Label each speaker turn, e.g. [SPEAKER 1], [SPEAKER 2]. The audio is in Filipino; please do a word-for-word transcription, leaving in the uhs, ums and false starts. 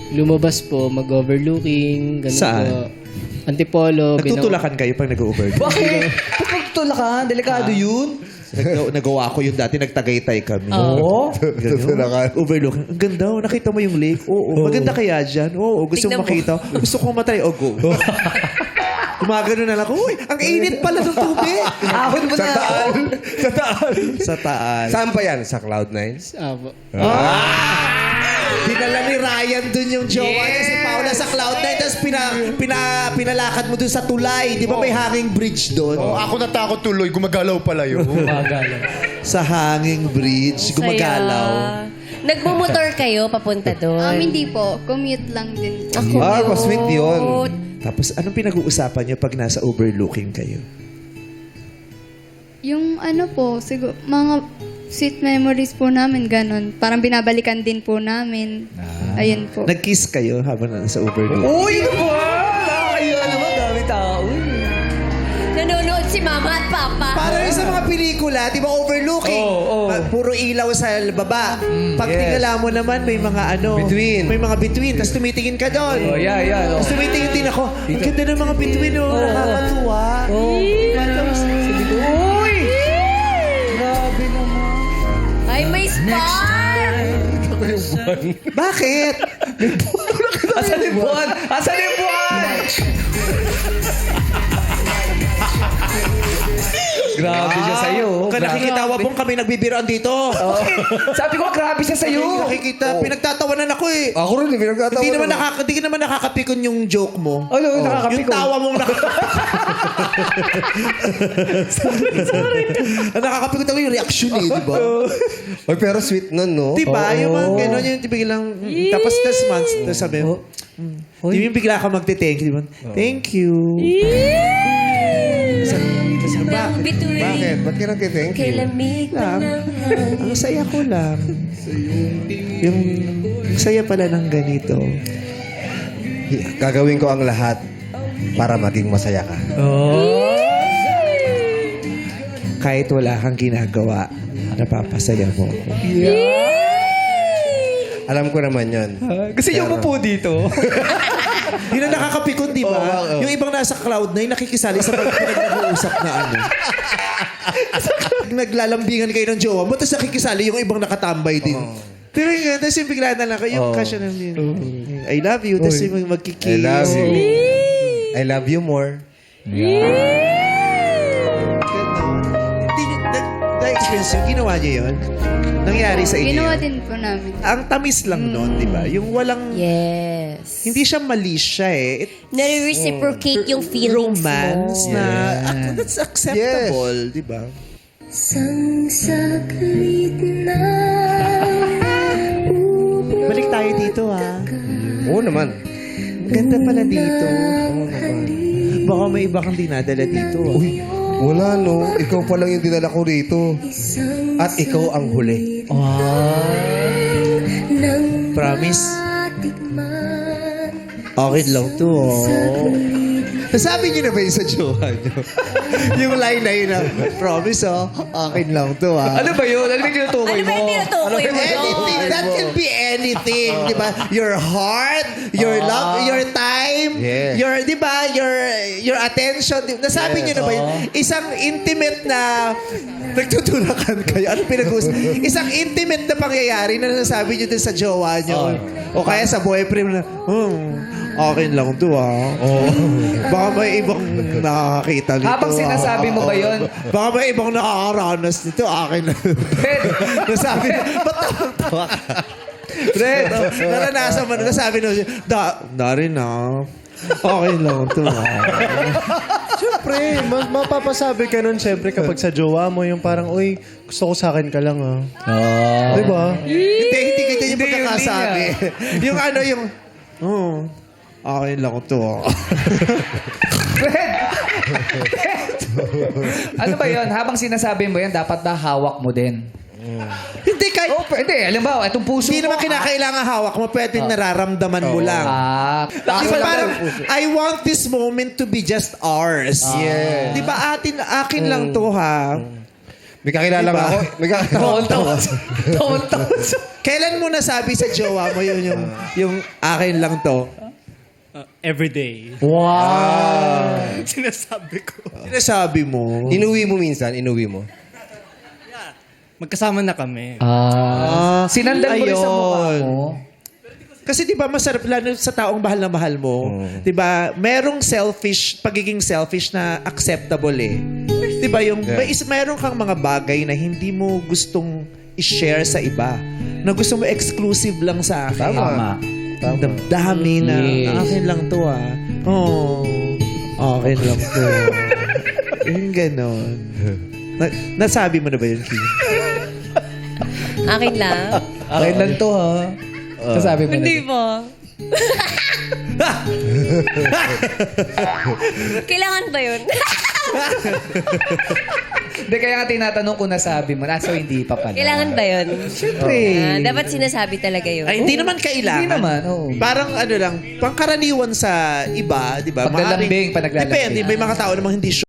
[SPEAKER 1] lumabas po, mag-overlooking, ganun
[SPEAKER 2] Saan?
[SPEAKER 1] po. Antipolo.
[SPEAKER 2] Nagtutulakan kayo pag nag-overlook?
[SPEAKER 3] Bakit? Ba't magtutulakan? Delikado yun.
[SPEAKER 2] Nag- nagawa ko yun dati, nagtagaytay kami.
[SPEAKER 3] Oo.
[SPEAKER 2] Ganun. Overlook. Ang ganda, oh. Nakita mo yung lake? Oo. Maganda kaya dyan? Oo. Gusto mo
[SPEAKER 4] Tignan mo.
[SPEAKER 2] makita? Gusto ko matry. O, go. Gumagano na lang. Uy, ang init pala ng tubig.
[SPEAKER 3] Ahon mo
[SPEAKER 5] Sa
[SPEAKER 3] na.
[SPEAKER 5] taal. Sa taal.
[SPEAKER 2] Sa taas.
[SPEAKER 5] Saan pa yan? Sa Cloud nine?
[SPEAKER 1] Ah, po.
[SPEAKER 2] Dinala ni Ryan dun yung jowa niya si Paula sa Cloud nine. Tapos pina, pina, pinalakad mo dun sa tulay. Di ba may hanging bridge dun?
[SPEAKER 6] Oh, ako natakot tuloy, gumagalaw pala yun.
[SPEAKER 2] Sa hanging bridge, gumagalaw.
[SPEAKER 4] Nagmumotor kayo papunta doon?
[SPEAKER 7] Um, hindi po. Commute lang din.
[SPEAKER 4] Ako.
[SPEAKER 5] Ah, pa-sweet yun.
[SPEAKER 2] Tapos anong pinag-uusapan niyo pag nasa overlooking kayo?
[SPEAKER 7] Yung ano po, siguro, mga sweet memories po namin, ganun. Parang binabalikan din po namin. Ayun po.
[SPEAKER 2] Nag-kiss kayo habang nasa overlooking?
[SPEAKER 3] Uy, ano ba? Nakakaya naman. Dami tao. Uy.
[SPEAKER 4] Nanonood si mama at papa.
[SPEAKER 2] Parang yung sa mga pelikula, di ba overlooking?
[SPEAKER 3] Oo, oo.
[SPEAKER 2] Ah, puro ilaw sa baba. Pag tingala mo naman, may mga ano.
[SPEAKER 5] Between.
[SPEAKER 2] May mga between. Tapos tumitingin ka doon.
[SPEAKER 3] Oh, yeah, yeah. Oh.
[SPEAKER 2] Tapos tumitingin din ako. Ang ganda ng mga between, oh. Nakakatuwa.
[SPEAKER 3] Oh.
[SPEAKER 2] Tapos,
[SPEAKER 3] Uy! Grabe naman.
[SPEAKER 4] Ay, may spark!
[SPEAKER 2] bakit?
[SPEAKER 3] Asan yung buwan? Asan yung buwan? Grabe siya sa'yo.
[SPEAKER 2] Kaya nakikitawa pong kami nagbibiroan dito.
[SPEAKER 3] Oh. Sabi ko, grabe siya sa'yo.
[SPEAKER 2] Nakikita, pinagtatawanan ako eh.
[SPEAKER 5] Ako rin, pinagkatawa.
[SPEAKER 2] Hindi naman, nakaka, hindi naman nakakapikon yung joke mo.
[SPEAKER 3] Ano, yung nakakapikon?
[SPEAKER 2] Yung tawa mong nakakapikon. sorry, sorry. Nakakapikon ako yung reaction eh, di ba?
[SPEAKER 5] Oy, pero sweet nun, no?
[SPEAKER 2] Di ba? Yung mga gano'n, yung biglang, mm, tapos this months, tapos sabi, mm, di ba yung bigla ka magte-thank you, di ba? Thank you. Sabi,
[SPEAKER 4] Ang
[SPEAKER 2] bakit?
[SPEAKER 4] bituin.
[SPEAKER 5] Bakit? Ba't ka nag-thank
[SPEAKER 4] Kay
[SPEAKER 5] you?
[SPEAKER 4] lamig pa
[SPEAKER 2] Lang.
[SPEAKER 4] ng hangin.
[SPEAKER 2] Ang saya ko lang. Yung, ang saya pala ng ganito.
[SPEAKER 5] Gagawin ko ang lahat para maging masaya ka.
[SPEAKER 2] Kahit wala kang ginagawa, napapasaya mo ako.
[SPEAKER 5] Alam ko naman yun.
[SPEAKER 3] Gusto niyo mo po dito.
[SPEAKER 2] Yun ang nakakapikon, di ba?
[SPEAKER 5] Oo, oo.
[SPEAKER 2] Yung ibang nasa cloud nine, nakikisali sa pag nag-uusap na ano. Naglalambingan kayo ng jowa mo, tapos nakikisali yung ibang nakatambay din. Pero yun, tapos yung bigla na lang kayo, yung kasya na yun. I love you, tapos yung magkikiss.
[SPEAKER 5] I love you. I love you more.
[SPEAKER 2] Hindi nyo, na- na-experience yung ginawa niyo yun? Nangyari sa inyo
[SPEAKER 7] Ginawa
[SPEAKER 2] yun?
[SPEAKER 7] din po namin.
[SPEAKER 2] Ang tamis lang nun, di ba? Yung walang,
[SPEAKER 4] Yes.
[SPEAKER 2] hindi siya mali siya eh. It,
[SPEAKER 4] Nare-reciprocate yung feelings
[SPEAKER 2] romance
[SPEAKER 4] mo.
[SPEAKER 2] na ac- that's acceptable, di ba?
[SPEAKER 4] Sang saglit na
[SPEAKER 2] Balik tayo dito ah.
[SPEAKER 5] Oo naman.
[SPEAKER 2] Ang ganda pala dito. Baka may iba kang dinadala dito ah.
[SPEAKER 5] Uy, wala no. Ikaw pa lang yung dinala ko rito. At ikaw ang huli.
[SPEAKER 2] Promise? Okay lang to oh. Nasabi niyo na ba yun sa jowa niyo? Yung line na yun na, promise oh, akin lang to ah.
[SPEAKER 3] Ano ba yun? Ano ba yung tinutukoy
[SPEAKER 4] Ano ba
[SPEAKER 3] mo?
[SPEAKER 4] yung tinutukoy mo
[SPEAKER 2] Anything,
[SPEAKER 4] doon?
[SPEAKER 2] that can be anything, di ba? Your heart, your love, your time,
[SPEAKER 5] Yes.
[SPEAKER 2] your, di ba, your your attention. Di- Nasabi niyo na ba yun? Isang intimate na, nagtutulakan kayo. Ano pinag-uusap? Isang intimate na pangyayari na nasabi niyo din sa jowa niyo. O kaya sa boyfriend na, hmm, akin lang to ah. Baka may ibang nakakakita nito.
[SPEAKER 3] Habang sinasabi mo ba yun?
[SPEAKER 2] Baka may ibang nakakaranas nito. Akin lang.
[SPEAKER 3] Fred,
[SPEAKER 2] Nasabi, ba't tawang-tawa ka?
[SPEAKER 3] Fred.
[SPEAKER 2] Naranasan mo na, nasabi na siya, da, narin na. Okay lang ito.
[SPEAKER 6] Siyempre, ma- mapapasabi ka nun siyempre kapag sa jowa mo yung parang, uy, gusto ko sa akin ka lang ah. Di ba?
[SPEAKER 2] Hindi, hindi kita yung
[SPEAKER 3] Hindi,
[SPEAKER 2] pagkakasabi. yung ano, yung, oh, okay lang ito.
[SPEAKER 3] Fred! Ano ba yun? Habang sinasabi mo yan, dapat ba hawak mo din?
[SPEAKER 2] Hindi, kahit,
[SPEAKER 3] Oh, hindi. Alam ba, itong puso
[SPEAKER 2] hindi
[SPEAKER 3] mo.
[SPEAKER 2] naman kinakailangan hawak mo, pwedeng nararamdaman mo lang.
[SPEAKER 3] Ah,
[SPEAKER 2] Di ba parang, I want this moment to be just ours.
[SPEAKER 5] Yeah.
[SPEAKER 2] Di ba atin, akin lang to ha?
[SPEAKER 5] May kakilala
[SPEAKER 2] Diba?
[SPEAKER 5] nga ako. May kakilala
[SPEAKER 3] Taon-taon. Taon-taon.
[SPEAKER 2] Kailan mo nasabi sa jowa mo yun yung, yung akin lang to?
[SPEAKER 1] Everyday.
[SPEAKER 3] Wow.
[SPEAKER 1] Sinasabi ko.
[SPEAKER 2] Sinasabi mo.
[SPEAKER 5] Inuwi mo minsan, inuwi mo.
[SPEAKER 1] Magkasama na kami.
[SPEAKER 3] Ah. Sinandan mo rin sa mukha
[SPEAKER 2] Ayun.
[SPEAKER 3] mo.
[SPEAKER 2] Kasi 'di ba masarap lalo sa taong mahal na mahal mo, 'di ba? Merong selfish, pagiging selfish na acceptable eh. 'Di ba yung may is meron kang mga bagay na hindi mo gustong i-share sa iba, na gusto mo exclusive lang sa akin.
[SPEAKER 3] Tama.
[SPEAKER 2] Ang damdami na
[SPEAKER 3] Yes.
[SPEAKER 2] akin lang 'to ah. Oh. Akin lang 'to. Yung ganon. Na, nasabi mo na ba yun, Kim?
[SPEAKER 4] Akin lang.
[SPEAKER 3] Akin lang to, ha? Sasabi mo
[SPEAKER 4] Hindi
[SPEAKER 3] na.
[SPEAKER 4] ba? Kailangan ba yun?
[SPEAKER 3] Hindi, kaya nga tinatanong kung nasabi mo. Naso hindi pa pala.
[SPEAKER 4] Kailangan ba yun?
[SPEAKER 3] Siyempre.
[SPEAKER 4] Ah, dapat sinasabi talaga yun.
[SPEAKER 2] Ay, hindi naman kailangan.
[SPEAKER 3] Hindi naman, oo.
[SPEAKER 2] Parang ano lang, pangkaraniwan sa iba, di ba?
[SPEAKER 3] Paglalambing,
[SPEAKER 2] Maaaring-
[SPEAKER 3] pag naglalambing.
[SPEAKER 2] Depende, may mga tao namang hindi